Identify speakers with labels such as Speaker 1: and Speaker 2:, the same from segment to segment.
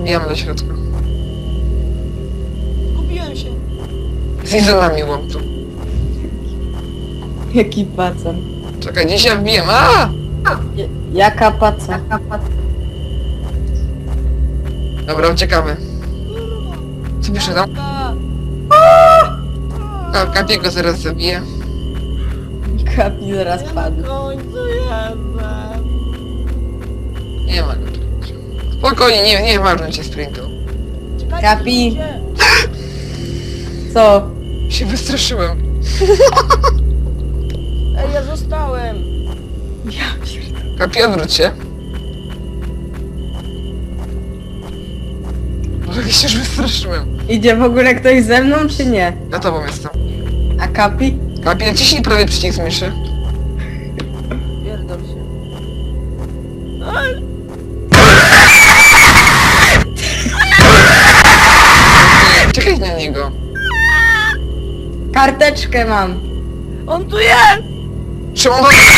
Speaker 1: Wbijamy do środka.
Speaker 2: Gubiłem się.
Speaker 1: Z izolami łątu.
Speaker 3: Jaki pacan.
Speaker 1: Czekaj, gdzieś ja wbiję. A!
Speaker 3: Jaka paca?
Speaker 1: Dobra, uciekamy. Co pisze tam? Kapiego zaraz zabiję.
Speaker 3: Kapi zaraz padł.
Speaker 2: Na końcu jestem.
Speaker 1: Nie ma go tu. Spokojnie, nie ważne cię sprintu.
Speaker 2: Czekajcie,
Speaker 3: Kapi.
Speaker 2: ludzie.
Speaker 3: Co?
Speaker 1: Się wystraszyłem.
Speaker 2: Ej, ja zostałem.
Speaker 3: Ja pierdolę.
Speaker 1: Kapi, odwróć się. Może się już wystraszyłem.
Speaker 3: Idzie w ogóle ktoś ze mną, czy nie?
Speaker 1: Ja tobą jestem.
Speaker 3: A Kapi?
Speaker 1: Kapi, naciśnij prawie przycisk myszy.
Speaker 2: Pierdol się. Ej,
Speaker 1: Czekaj na niego.
Speaker 3: Karteczkę mam.
Speaker 2: on tu jest!
Speaker 1: Szymon,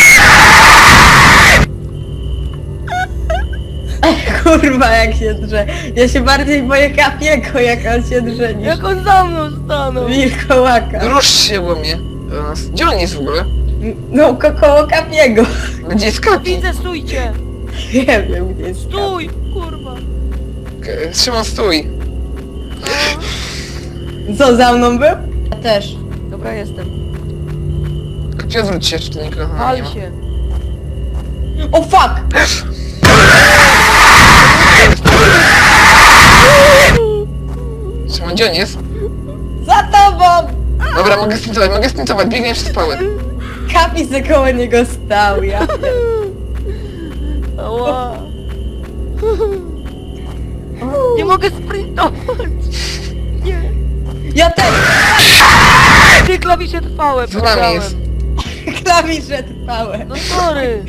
Speaker 3: Kurwa, jak się drze. Ja się bardziej boję Kapiego, jak on się drze, niż
Speaker 2: Jak on za mną stanął!
Speaker 3: wilkołaka.
Speaker 1: rusz się łomie do nas. Gdzie on jest w ogóle?
Speaker 3: No, koło Kapiego.
Speaker 1: Gdzie jest Kapi?
Speaker 2: Widzę, stójcie!
Speaker 3: Nie wiem, gdzie jest Kapi.
Speaker 2: Stój! Kurwa!
Speaker 1: Szymon, stój.
Speaker 3: Co, za mną był? Ja też.
Speaker 2: Dobra, jestem.
Speaker 1: Kapi, odwróć się, czy to nikogo nie
Speaker 2: Pal
Speaker 1: ma.
Speaker 2: się!
Speaker 3: O fuck!
Speaker 1: Szymon, gdzie on jest?
Speaker 3: Za tobą!
Speaker 1: Dobra, mogę sprintować, biegnie przez pałę.
Speaker 3: Kapi se koło niego stał, ja.
Speaker 2: Ała! Nie mogę sprintować! Nie!
Speaker 3: Ja też!
Speaker 2: Ty klawisze trwałe,
Speaker 1: Z nami jest.
Speaker 3: Klawisze trwałe.
Speaker 2: No sorry!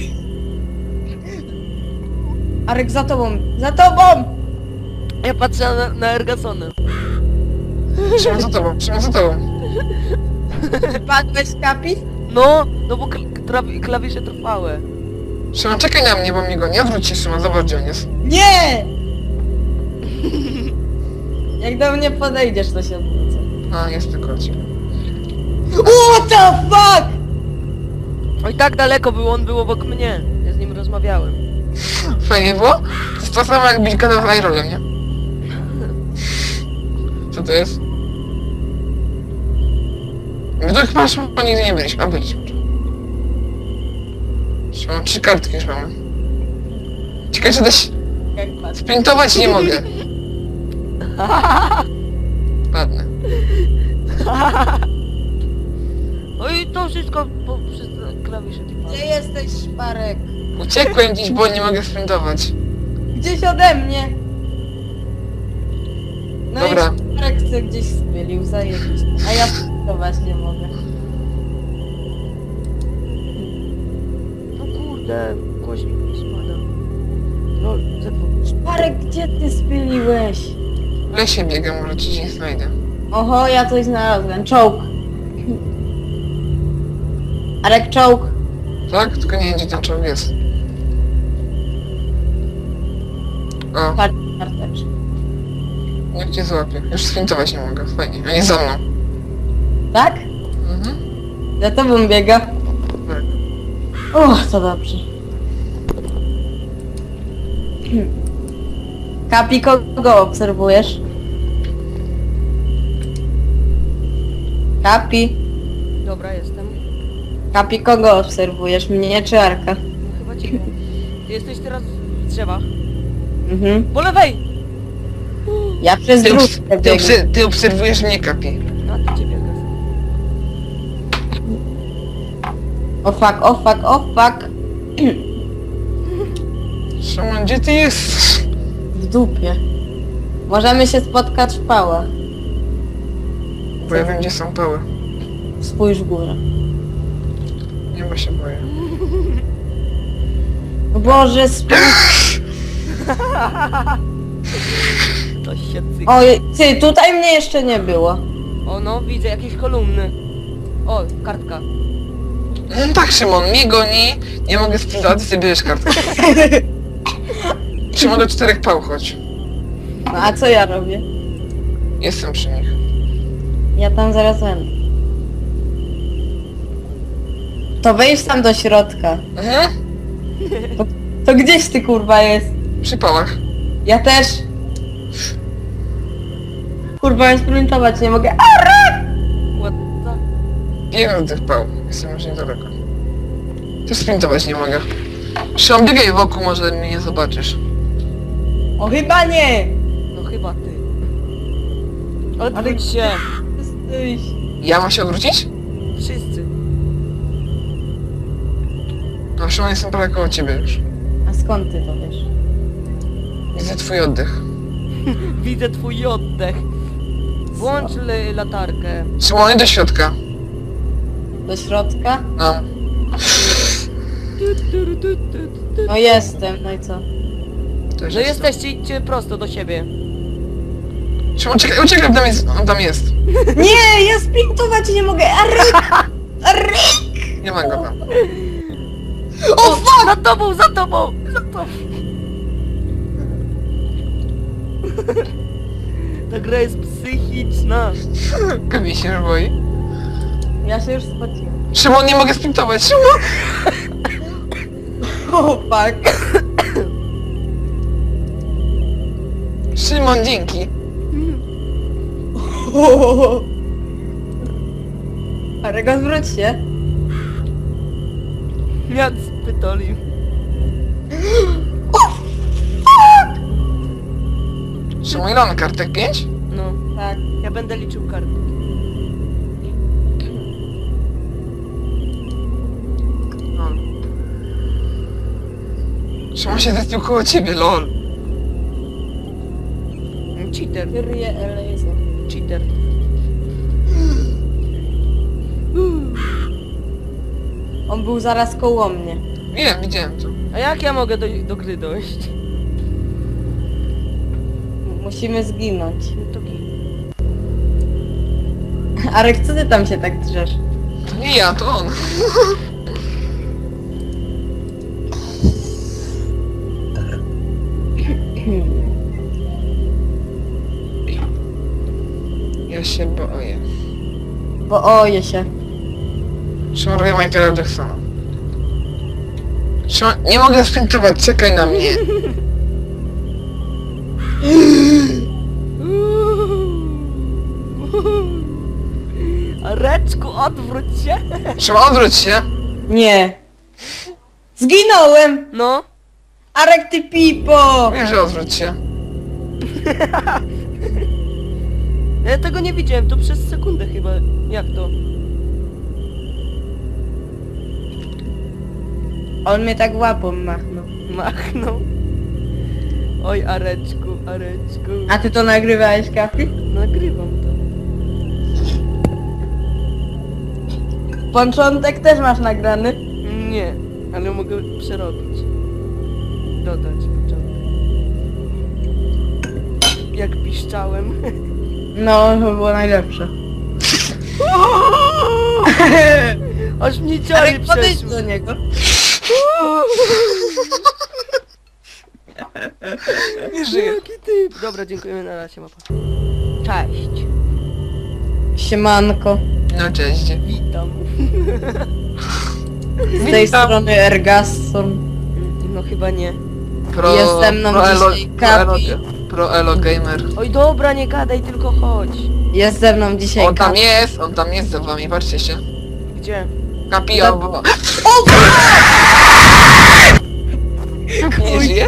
Speaker 3: Arek, za tobą! Za tobą!
Speaker 2: Ja patrzę na Ergasona.
Speaker 1: Szymon za tobą, Szymon za tobą.
Speaker 3: Padłeś, Kapi?
Speaker 2: No bo klawisze trwałe.
Speaker 1: Szymon, czekaj na mnie, bo mnie go nie odwróć się, Szymon, zobacz gdzie on jest.
Speaker 3: Nie! Jak do mnie podejdziesz, to się odwrócę.
Speaker 1: A, jest tylko od ciebie.
Speaker 3: What the fuck?
Speaker 2: Oj, tak daleko był, on był obok mnie. Ja z nim rozmawiałem.
Speaker 1: Fajnie było? To jest to samo jak Bilka na Flyrolem, nie? Co to jest? My tu chyba Szymon nigdy nie byliśmy, a byliśmy. Szymon, 3 kartki już mamy. Ciekawe, czy też
Speaker 3: Jak patrz.
Speaker 1: sprintować nie mogę. Ładne.
Speaker 2: Oj, to wszystko przez klawisze trwałe.
Speaker 3: Gdzie jesteś, Szparek?
Speaker 1: Uciekłem gdzieś, bo nie mogę sprintować.
Speaker 3: Gdzieś ode mnie. No
Speaker 1: Dobra.
Speaker 3: i Szparek chce gdzieś spylił, zajebiście. A ja sprintować nie mogę.
Speaker 2: No kurde, głośnik mi spada. Lol, Z2.
Speaker 3: Szparek, gdzie ty spyliłeś?
Speaker 1: W lesie biegam, może ci nie znajdę.
Speaker 3: Oho, ja coś znalazłem. Czołg. Arek, czołg.
Speaker 1: Tak? Tylko nie wiem, gdzie ten czołg jest. O,
Speaker 3: Patrz, karteczkę.
Speaker 1: niech cię złapie. Już sprintować nie mogę, fajnie. A nie za mną.
Speaker 3: Tak?
Speaker 1: Mhm.
Speaker 3: Za tobą biega.
Speaker 1: Tak.
Speaker 3: O, to dobrze. Kapi, kogo obserwujesz? Kapi.
Speaker 2: Dobra, jestem.
Speaker 3: Kapi, kogo obserwujesz? Mnie czy Arka?
Speaker 2: No chyba ciebie. Ty jesteś teraz w drzewach.
Speaker 3: Mhm.
Speaker 2: Po lewej!
Speaker 3: Ja przez
Speaker 1: Ty,
Speaker 3: dróżkę biegnę.
Speaker 1: ty obserwujesz mnie, Kapi.
Speaker 2: A ty ciebie gaz.
Speaker 3: O fuck, o fuck, o fuck.
Speaker 1: Szymon, gdzie ty jesteś?
Speaker 3: W dupie. Możemy się spotkać w pałach.
Speaker 1: Bo ja wiem, gdzie są pały.
Speaker 3: Spójrz w górę.
Speaker 1: Nie, bo się boję.
Speaker 3: O Boże, spójrz.
Speaker 2: To się cyk.
Speaker 3: Oj, ty, tutaj mnie jeszcze nie było.
Speaker 2: O no, widzę jakieś kolumny. O, kartka.
Speaker 1: No tak, Szymon, mnie goni, nie mogę sprintować, ty sobie bierzesz kartkę. Szymon, do 4 pał chodź.
Speaker 3: No, a co ja robię?
Speaker 1: Jestem przy nich.
Speaker 3: Ja tam zaraz będę. To wejdź tam do środka.
Speaker 1: Mhm.
Speaker 3: To gdzieś ty kurwa jest?
Speaker 1: Przy pałach.
Speaker 3: Ja też. Kurwa, ja sprintować nie mogę.
Speaker 2: What the...
Speaker 1: Jeden z tych pał. Jestem już niedaleko. Też sprintować nie mogę. Szymon, biegaj wokół, może mnie nie zobaczysz.
Speaker 3: O chyba nie!
Speaker 2: No chyba ty. Odwróć się.
Speaker 3: Stój.
Speaker 1: Ja mam się odwrócić?
Speaker 2: Wszyscy.
Speaker 1: No Szymon, jestem prawie koło ciebie już.
Speaker 3: A skąd ty to wiesz?
Speaker 1: Widzę twój oddech.
Speaker 2: Widzę twój oddech. Włącz latarkę.
Speaker 1: Szymon, idź do środka.
Speaker 3: Do środka?
Speaker 1: No.
Speaker 3: No jestem, no i co?
Speaker 1: Też
Speaker 2: No
Speaker 1: jestem.
Speaker 2: jesteście, idźcie prosto do siebie.
Speaker 1: Szymon, uciekaj, on tam jest.
Speaker 3: Nie, ja sprintować nie mogę! Arryk!
Speaker 1: Nie ma go tam.
Speaker 2: O, za tobą, za tobą, za tobą. Ta gra jest psychiczna.
Speaker 1: Gabi się już boi.
Speaker 3: Ja się już spociłem.
Speaker 1: Szymon, nie mogę sprintować, Szymon!
Speaker 3: O fuck.
Speaker 1: Szymon, dzięki.
Speaker 3: Arego, zwróć się.
Speaker 2: Miat spytoli.
Speaker 1: Szymon, ile on kartek? 5?
Speaker 2: No,
Speaker 3: Tak.
Speaker 2: ja będę liczył karty.
Speaker 1: Szymon się zespił koło ciebie, lol.
Speaker 2: Cheater,
Speaker 3: Kyrie eleison.
Speaker 2: cheater.
Speaker 3: On był zaraz koło mnie.
Speaker 1: Wiem, widziałem to.
Speaker 2: A jak ja mogę do gry dojść?
Speaker 3: Musimy zginąć.
Speaker 2: No to git.
Speaker 3: Arek, co ty tam się tak drzesz?
Speaker 1: To nie ja, to on. Ja się boję.
Speaker 3: Bo oje się.
Speaker 1: Szymon, robię Michaela Jacksona. Szymon, nie mogę sprintować, czekaj na mnie.
Speaker 2: Reczku, odwróć się.
Speaker 1: Szymon, odwróć się.
Speaker 3: Nie. Zginąłem!
Speaker 2: No.
Speaker 3: Arek, ty pipo!
Speaker 1: Wiem, że odwróć się.
Speaker 2: Ja tego nie widziałem, to przez sekundę chyba. Jak to?
Speaker 3: On mnie tak łapą machnął.
Speaker 2: Machnął. Oj, Areczku, Areczku.
Speaker 3: A ty to nagrywałeś, Kapi?
Speaker 2: Nagrywam to.
Speaker 3: Początek też masz nagrany?
Speaker 2: Nie, ale mogę przerobić. Dodać początek. Jak piszczałem.
Speaker 3: No, to było najlepsze.
Speaker 2: Aż mnie ciary
Speaker 3: Arek, podejdź
Speaker 2: przeszły.
Speaker 3: do niego.
Speaker 1: Nie żyję.
Speaker 2: Jaki typ. Dobra, dziękujemy, na razie, mapa. Cześć.
Speaker 3: Siemanko.
Speaker 1: No cześć.
Speaker 2: Witam.
Speaker 3: Z tej strony Ergasson.
Speaker 2: No chyba nie.
Speaker 3: Jest ze mną dzisiaj Kapi.
Speaker 1: Pro Elo Gamer.
Speaker 2: Oj, dobra, nie gadaj, tylko chodź.
Speaker 3: Jest ze mną dzisiaj
Speaker 1: On tam
Speaker 3: Kapi.
Speaker 1: jest za wami, patrzcie się.
Speaker 2: Gdzie?
Speaker 1: Kapi albo... Nie żyje?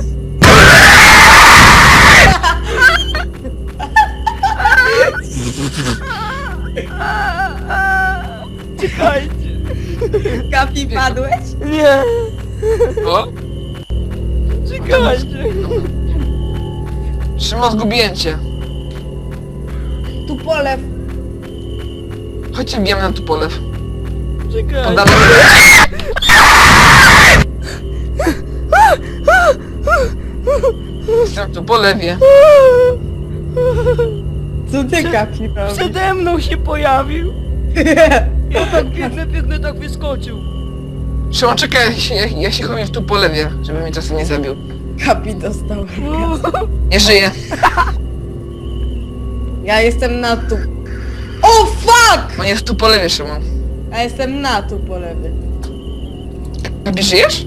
Speaker 2: Czekajcie.
Speaker 3: Kapi, padłeś?
Speaker 2: Nie.
Speaker 1: O?
Speaker 2: Czekajcie.
Speaker 1: Szymon, zgubiłem cię.
Speaker 3: Tu polew.
Speaker 1: Chodźcie, bijemy na tu polew. On
Speaker 2: Czekajcie.
Speaker 1: dalej... Jestem tu po lewie.
Speaker 3: Co ty, Kapi, robisz?
Speaker 2: Przede mną się pojawił. Ja tak biegnę, tak wyskoczył.
Speaker 1: Szymon, czekaj, ja się chowam tu po lewie, żeby mnie czasem nie zabił.
Speaker 3: Kapi dostał.
Speaker 1: Nie żyje.
Speaker 3: Ja jestem na tu. O fuck!
Speaker 1: On jest tu po lewej, Szymon.
Speaker 3: Ja jestem na tu po lewej.
Speaker 1: Ty żyjesz?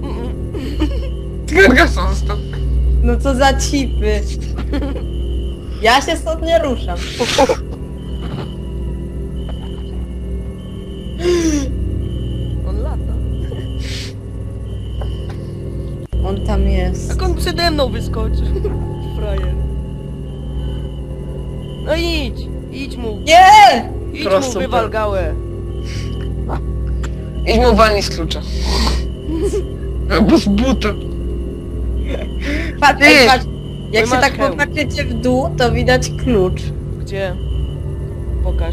Speaker 1: Ty Gargason został.
Speaker 3: No co za cipy. Ja się stąd nie ruszam.
Speaker 2: On lata.
Speaker 3: On tam jest.
Speaker 2: Jak on przede mną wyskoczył. Frajer. No idź mu.
Speaker 3: Nie!
Speaker 2: Idź
Speaker 1: Prosto,
Speaker 2: mu, wywal
Speaker 1: tak.
Speaker 2: gałę.
Speaker 1: Idź mu walnij z klucza. Albo z buta.
Speaker 3: Patrz,
Speaker 1: Ty!
Speaker 3: patrz. Jak
Speaker 2: Ty
Speaker 3: się
Speaker 2: masz
Speaker 3: tak
Speaker 2: hełm.
Speaker 3: popatrzycie w dół, to widać klucz.
Speaker 2: Gdzie? Pokaż.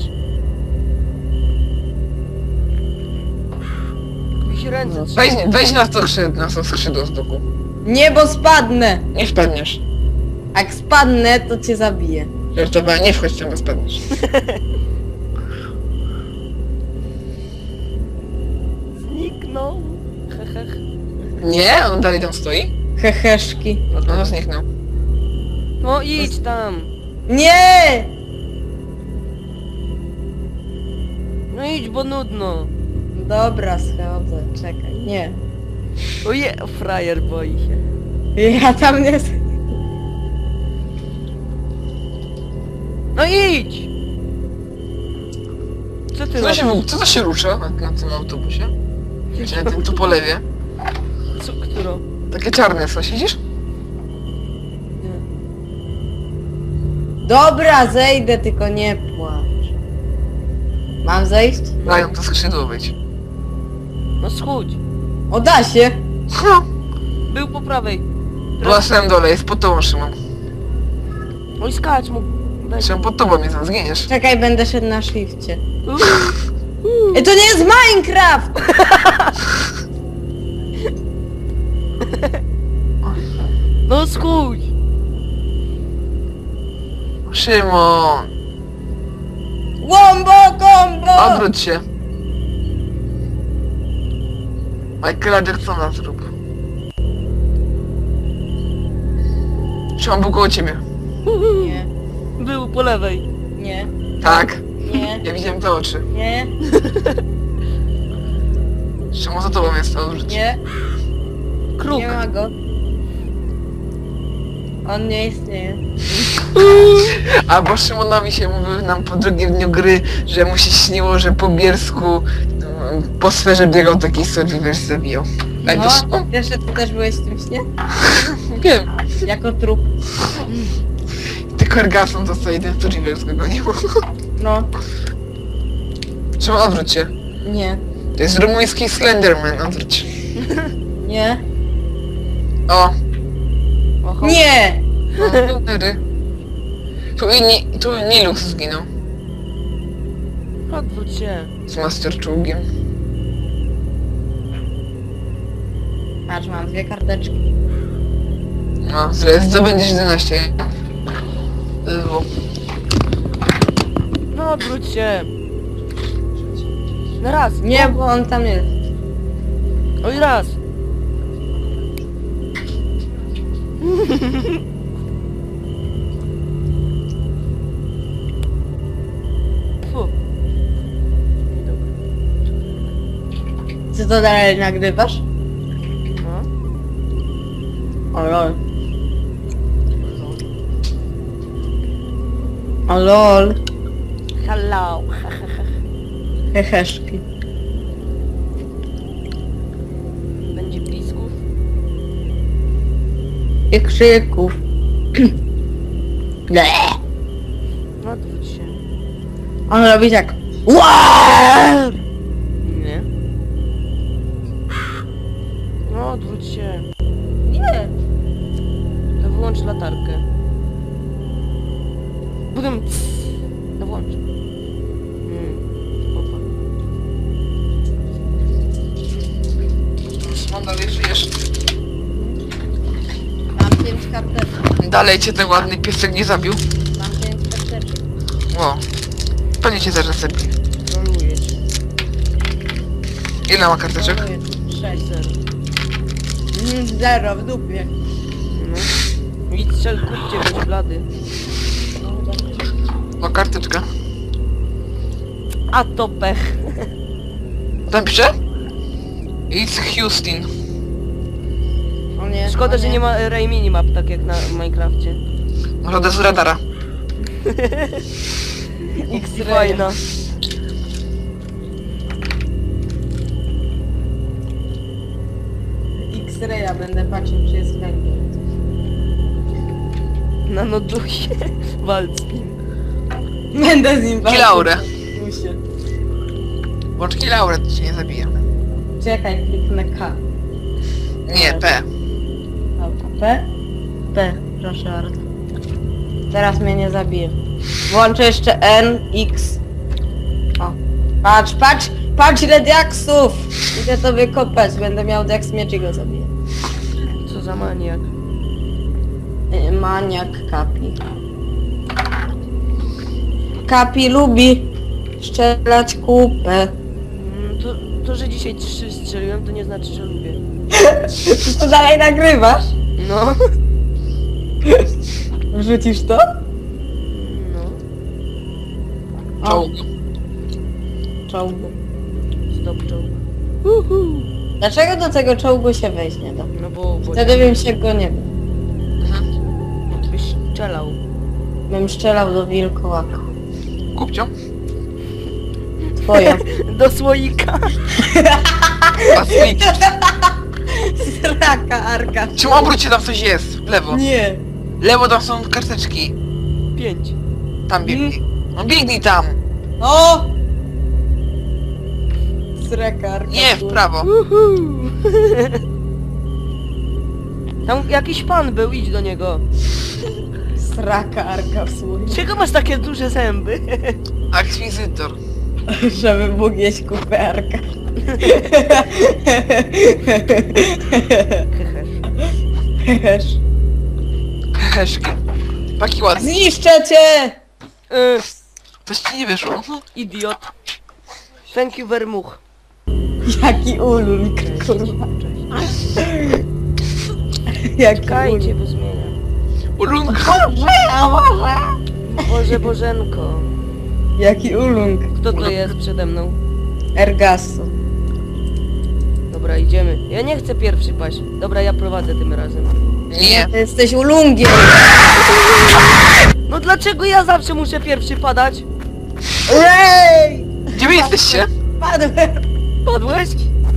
Speaker 2: Jakieś ręce
Speaker 3: No.
Speaker 2: trzeba.
Speaker 1: Weź na to skrzydło z boku.
Speaker 3: Nie, bo spadnę.
Speaker 1: Nie wpadniesz.
Speaker 3: Jak spadnę, to cię zabiję.
Speaker 1: Żartowałem, nie wchodź tam, bo spadniesz.
Speaker 2: Zniknął. Hehech.
Speaker 1: Nie, on dalej tam stoi.
Speaker 3: Heheszki.
Speaker 1: No zniknął.
Speaker 2: No idź tam.
Speaker 3: Nie!
Speaker 2: No idź, bo nudno.
Speaker 3: Dobra, schodzę. Czekaj, nie.
Speaker 2: Oje, frajer boi się.
Speaker 3: Ja tam nie...
Speaker 2: No idź! Co ty robisz?
Speaker 1: Co to się rusza na tym autobusie? Czy na tym tu po lewie?
Speaker 2: Co, którą?
Speaker 1: Takie czarne co, siedzisz?
Speaker 3: Dobra, zejdę, tylko nie płacz. Mam zejść?
Speaker 1: Dają to skrzydło być.
Speaker 2: No schudź.
Speaker 3: O, da się!
Speaker 2: Był po prawej.
Speaker 1: Na samym dole, jest pod tobą, Szymon.
Speaker 2: Oj, skacz mu. Daj.
Speaker 1: Szymon, pod tobą jest, tam zginiesz.
Speaker 3: Czekaj, będę szedł na shifcie. Ej, to nie jest Minecraft!
Speaker 2: No schudź.
Speaker 1: Szymon,
Speaker 3: Wombo combo!
Speaker 1: odwróć się. Michaela Jacksona zrób. Szymon był koło ciebie.
Speaker 3: Nie,
Speaker 2: Był po lewej.
Speaker 3: nie,
Speaker 1: Tak,
Speaker 3: nie,
Speaker 1: ja widziałem te oczy.
Speaker 3: nie,
Speaker 1: Szymon za tobą jest, odwróć się.
Speaker 3: nie,
Speaker 2: Kruk.
Speaker 3: nie ma go. On nie istnieje.
Speaker 1: Albo Szymonowi się mówił nam po drugim dniu gry, że mu się śniło, że po Bielsku po sferze biegał taki Survivor zabijał. Tak to
Speaker 3: No,
Speaker 1: Szymon?
Speaker 3: wiesz, że ty też byłeś w tym śnie?
Speaker 1: Wiem.
Speaker 3: Jako trup.
Speaker 1: Tylko Gargason został jeden Survivor zgonił.
Speaker 3: No,
Speaker 1: Szymon, odwróć się.
Speaker 3: nie,
Speaker 1: To jest rumuński Slenderman, odwróć.
Speaker 3: nie,
Speaker 1: O,
Speaker 2: Oho.
Speaker 3: nie!
Speaker 1: no, tu Nilux zginął.
Speaker 2: Odwróć się.
Speaker 1: Z Master Czołgiem.
Speaker 3: Patrz, mam 2 karteczki.
Speaker 1: No, zdobędziesz 11. Zło.
Speaker 2: No odwróć się. Na raz.
Speaker 3: Nie, bo on tam jest.
Speaker 2: Oj, raz. Fu. Niedobre.
Speaker 3: Czy to dalej nagrywasz?
Speaker 2: No.
Speaker 3: O lol. O lol.
Speaker 2: Hello.
Speaker 3: Heheszki.
Speaker 2: Będzie plisków.
Speaker 3: I krzyków. Ble.
Speaker 2: No odwróć się.
Speaker 3: On robi tak. Ła!
Speaker 2: Nie. No odwróć się.
Speaker 3: Nie.
Speaker 2: To wyłącz latarkę. Budem. No włącz. Opa.
Speaker 1: Szymon, dalej żyjesz.
Speaker 3: Mam 5 karteczek.
Speaker 1: Dalej cię ten ładny piesek nie zabił.
Speaker 3: Mam 5 karteczek.
Speaker 1: O. Pewnie cię zaraz zabije.
Speaker 2: Troluję cię.
Speaker 1: Ile ma karteczek?
Speaker 3: 6.
Speaker 2: 0.
Speaker 3: 0 w dupie.
Speaker 2: No. Idź strzel, kupcie, będzie blady.
Speaker 3: No, dobra.
Speaker 1: O, karteczka.
Speaker 2: A to pech.
Speaker 1: Tam pisze? It's Houston.
Speaker 3: O nie,
Speaker 2: Szkoda,
Speaker 3: o
Speaker 2: że nie ma Ray Minimap, tak jak na Minecrafcie.
Speaker 1: Może to z radara.
Speaker 3: X-ray.
Speaker 2: Fajna.
Speaker 3: X-raya będę patrzył, czy jest węgiel.
Speaker 2: Na nodusie. Walcz z nim.
Speaker 3: Będę z nim walczył.
Speaker 1: Kilaurę.
Speaker 3: Muszę.
Speaker 1: Włącz Kilaurę, to cię nie zabije.
Speaker 3: Czekaj, kliknę K.
Speaker 1: Nie, P.
Speaker 3: Dobra, P? P, proszę bardzo. Teraz mnie nie zabije. Włączę jeszcze N, X. O. Patrz, patrz, patrz ile diaksów! Idę to wykopać, będę miał diaks miecz i go zabiję.
Speaker 2: Co za maniak.
Speaker 3: Maniak Kapi. Kapi lubi strzelać kupę.
Speaker 2: To, że dzisiaj 3 strzeliłem, to nie znaczy, że lubię.
Speaker 3: Czy to dalej nagrywasz?
Speaker 2: No.
Speaker 3: Wrzucisz to?
Speaker 2: No.
Speaker 3: O,
Speaker 1: Czołg.
Speaker 3: czołgu.
Speaker 2: Stop czołg.
Speaker 3: Dlaczego do tego czołgu się wejść nie da?
Speaker 2: No bo
Speaker 3: Wtedy bym się go nie bał.
Speaker 2: byś strzelał.
Speaker 3: Bym strzelał do wilkołaka.
Speaker 1: Kupcio?
Speaker 3: Twoja.
Speaker 2: Do słoika.
Speaker 1: Pasmik.
Speaker 3: Sraka, Arka.
Speaker 1: Czemu obróć tam coś jest? W lewo.
Speaker 3: Nie.
Speaker 1: Lewo tam są karteczki.
Speaker 2: 5.
Speaker 1: Tam biegnij. No biegnij tam.
Speaker 3: O! Sraka, Arka.
Speaker 1: Nie, w prawo.
Speaker 2: Tam jakiś pan był, idź do niego.
Speaker 3: Sraka, Arka w słowie.
Speaker 2: Czego masz takie duże zęby?
Speaker 1: Akwizytor.
Speaker 3: Żeby mógł jeść kupę Arka.
Speaker 2: Hehesz.
Speaker 1: Heszki. Taki ładny.
Speaker 3: Zniszczę cię!
Speaker 1: Coś ci nie wyszło.
Speaker 2: Idiot. Thank you very much.
Speaker 3: Jaki ulul, kurwa. Jaki
Speaker 2: Czekajcie,
Speaker 3: ulul.
Speaker 2: bo zmieniam.
Speaker 1: Ulunka.
Speaker 2: Boże Bożenko.
Speaker 3: Jaki ulung.
Speaker 2: Kto to jest przede mną?
Speaker 3: Ergasso.
Speaker 2: Dobra, idziemy. Ja nie chcę pierwszy paść. Dobra, ja prowadzę tym razem.
Speaker 1: Nie.
Speaker 3: Ty jesteś ulungiem.
Speaker 2: No dlaczego ja zawsze muszę pierwszy padać?
Speaker 3: Rej!
Speaker 1: Gdzie wy jesteście?
Speaker 3: Padłem.
Speaker 2: Padłeś?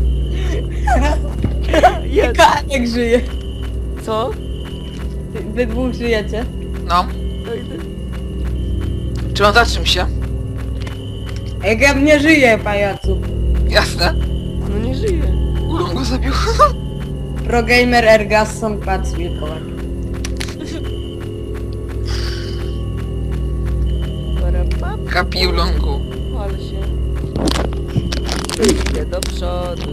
Speaker 2: Jest.
Speaker 3: Kaniek żyje.
Speaker 2: Co?
Speaker 3: Wy dwóch żyjecie.
Speaker 1: No.
Speaker 2: No i ty.
Speaker 1: Czy on zatrzym się?
Speaker 3: Jak ja nie żyję, pajacu.
Speaker 1: Jasne.
Speaker 2: No nie żyje.
Speaker 1: Ulun go zabił.
Speaker 3: Progamer Ergasson padł z wilkołak.
Speaker 2: Parapap,
Speaker 1: Happy Ulungu.
Speaker 2: pal się. Idę do przodu.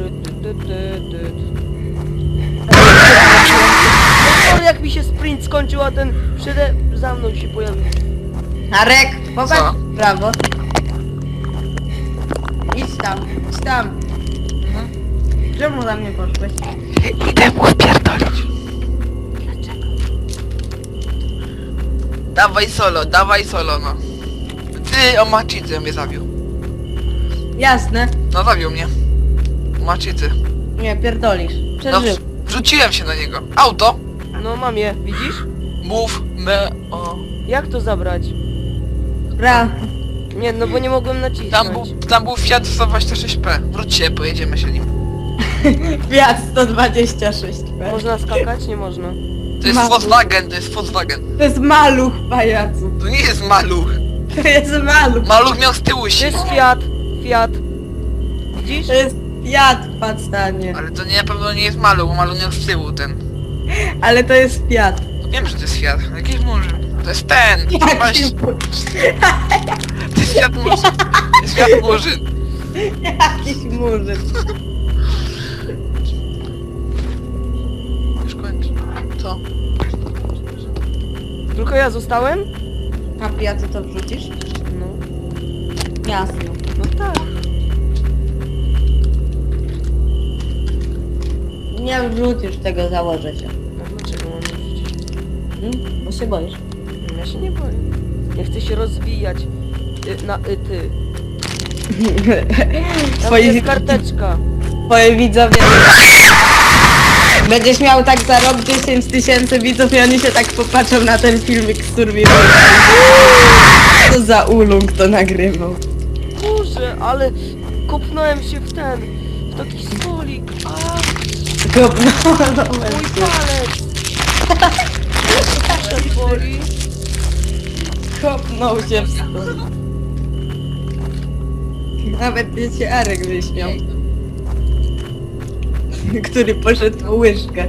Speaker 2: O, jak mi się sprint skończył, a ten za mną się pojawił.
Speaker 3: Arek, popatrz
Speaker 1: Co?
Speaker 3: w prawo. Idź tam, idź tam. Czemu za mnie poszłeś?
Speaker 1: Idę mu wpierdolić. Dawaj solo, no. Ty, o maczycy mnie zabił.
Speaker 3: Jasne.
Speaker 1: No zabił mnie. Maczycy.
Speaker 3: Nie, pierdolisz.
Speaker 1: No,
Speaker 3: Przeżył.
Speaker 1: wrzuciłem się na niego. Auto.
Speaker 2: No mam je, widzisz?
Speaker 1: Move me o.
Speaker 2: Jak to zabrać?
Speaker 3: Bra.
Speaker 2: Nie, no bo nie mogłem nacisnąć.
Speaker 1: Tam był Fiat 126P. Wróćcie, pojedziemy się nim.
Speaker 3: Fiat 126P.
Speaker 2: Można skakać? Nie można.
Speaker 1: To jest
Speaker 3: Maluch.
Speaker 1: Volkswagen, to jest Volkswagen.
Speaker 3: To jest maluch, pajacu.
Speaker 1: To nie jest maluch.
Speaker 3: To jest maluch.
Speaker 1: Maluch miał z tyłu
Speaker 2: To
Speaker 1: się.
Speaker 2: jest Fiat. Fiat. Widzisz?
Speaker 3: To jest Fiat, pastanie.
Speaker 1: Ale to nie, na pewno nie jest maluch, bo maluch miał z tyłu ten.
Speaker 3: Ale to jest Fiat.
Speaker 1: No wiem, że to jest Fiat. Jakiś murzyn. To jest ten. Właśnie, to jest Fiat murzyn. To jest Fiat murzyn.
Speaker 3: Jakiś murzyn.
Speaker 1: Już kończę. Co?
Speaker 2: Tylko ja zostałem?
Speaker 3: A Fiatu to wrzucisz?
Speaker 2: No.
Speaker 3: Jasno.
Speaker 2: No tak.
Speaker 3: Nie wrzucisz tego, założę cię.
Speaker 2: No dlaczego mam wrzucić?
Speaker 3: Bo się boisz.
Speaker 2: Ja się nie boję. Nie chcę się rozwijać. Ty. Tam
Speaker 3: Twoi,
Speaker 2: jest karteczka.
Speaker 3: twoje widzowie... Będziesz miał tak za rok 10 000 widzów i oni się tak popatrzą na ten filmik z Survivor. Co za ulung to nagrywał.
Speaker 2: Boże, ale kopnąłem się w taki stolik. A,
Speaker 3: Kopnąłem
Speaker 2: mój
Speaker 3: się.
Speaker 2: palec. Palec boli.
Speaker 3: Kopnął się w stół. Nawet nie się Arek wyśmiał. Który poszedł po łyżkę.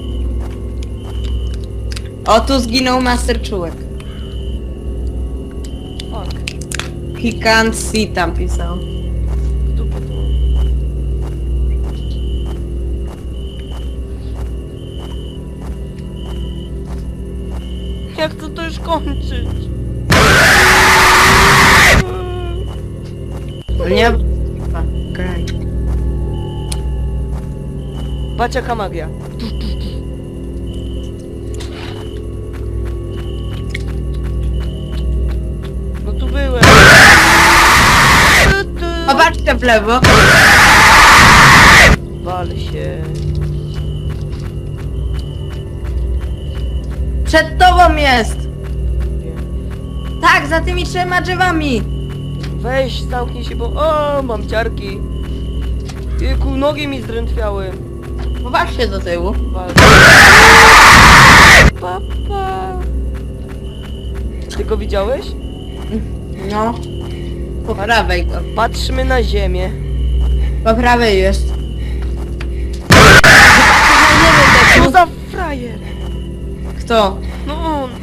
Speaker 3: O, tu zginął Master Czułek.
Speaker 2: Fuck.
Speaker 3: He can't see tam pisał.
Speaker 2: Tu potem. Jak to już kończyć?
Speaker 3: Nie? Okej.
Speaker 2: Patrz jaka magia. No tu byłem.
Speaker 3: Popatrzcie w lewo.
Speaker 2: Wal się.
Speaker 3: Przed tobą jest! Tak, za tymi 3 drzewami!
Speaker 2: Weź, zamknij się, bo... O, mam ciarki. Jejku, nogi mi zdrętwiały.
Speaker 3: Popatrzcie do tyłu.
Speaker 2: Wal. Papa. Ty go widziałeś?
Speaker 3: No. Po prawej go.
Speaker 2: Patrzmy na ziemię.
Speaker 3: Po prawej jest.
Speaker 2: Co za frajer?
Speaker 3: Kto?
Speaker 2: No on.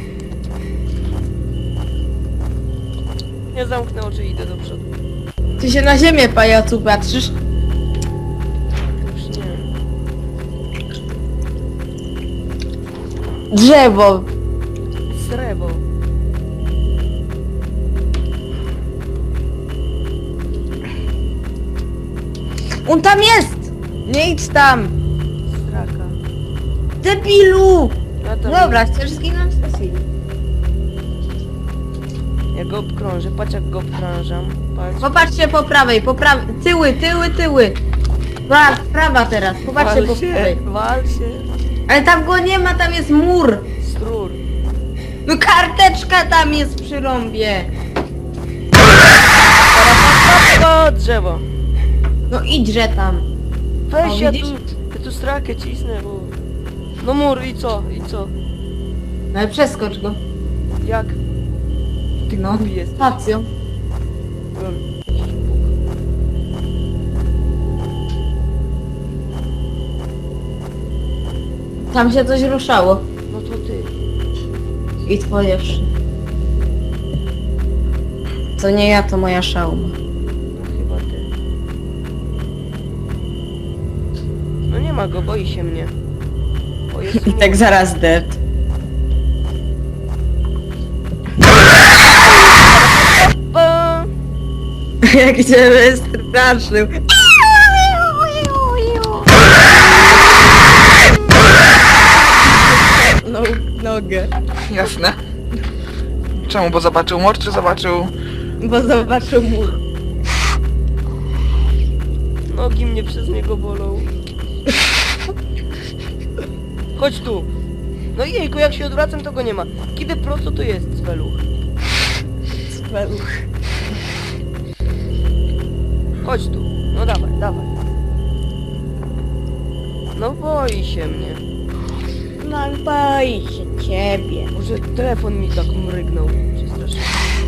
Speaker 2: Ja zamknę oczy i idę do przodu.
Speaker 3: Ty się na ziemię, pajacu, patrzysz?
Speaker 2: Już nie.
Speaker 3: Drzewo.
Speaker 2: Srewo.
Speaker 3: On tam jest! Nie idź tam!
Speaker 2: Straka.
Speaker 3: Debilu!
Speaker 2: Ja tam
Speaker 3: Dobra, chcesz zginąć? To zginę.
Speaker 2: Ja go obkrążę, patrz jak go obkrążam. Patrz.
Speaker 3: Popatrzcie po prawej, po prawej. Tyły, tyły, tyły. Prawa teraz, popatrzcie po prawej.
Speaker 2: Wal się.
Speaker 3: Ale tam go nie ma, tam jest mur.
Speaker 2: Strur.
Speaker 3: No karteczka tam jest przy rąbie.
Speaker 2: O, drzewo.
Speaker 3: No idźże tam.
Speaker 2: Weź,
Speaker 3: O,
Speaker 2: ja
Speaker 3: widzisz?
Speaker 2: tu strakę cisnę, bo... No mur, i co? I co?
Speaker 3: No ale przeskocz go.
Speaker 2: Jak? Ty
Speaker 3: No,
Speaker 2: głupi jesteś.
Speaker 3: stacją.
Speaker 2: Lol.
Speaker 3: Tam się coś ruszało.
Speaker 2: No to ty.
Speaker 3: I twoje wszy. To nie ja, to moja szauma.
Speaker 2: No chyba ty. No nie ma go, boi się mnie. O, jest
Speaker 3: I tak zaraz dead.
Speaker 2: Pa!
Speaker 3: Jak cię wystraszył. No, nogę.
Speaker 1: Jasne. Czemu? Bo zobaczył mur, czy zobaczył...
Speaker 3: Bo zobaczył mur.
Speaker 2: Nogi mnie przez niego bolą. Chodź tu. No jejku, jak się odwracam, to go nie ma. Kiedy prosto to jest Sveluch.
Speaker 3: Speluch.
Speaker 2: Chodź tu. No dawaj, dawaj. No boi się mnie.
Speaker 3: No boi się ciebie.
Speaker 2: Może telefon mi tak mrygnął. Przestraszyłem.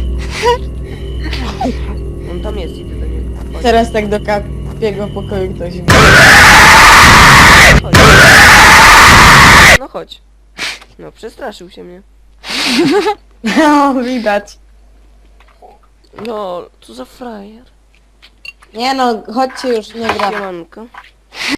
Speaker 2: On tam jest, idę do niego. Chodź,
Speaker 3: Teraz tak do kapiego pokoju ktoś wie.
Speaker 2: chodź. No chodź. No przestraszył się mnie.
Speaker 3: No, widać.
Speaker 2: No, co za frajer.
Speaker 3: Nie no, chodźcie już, nie gra.
Speaker 2: Siemanko.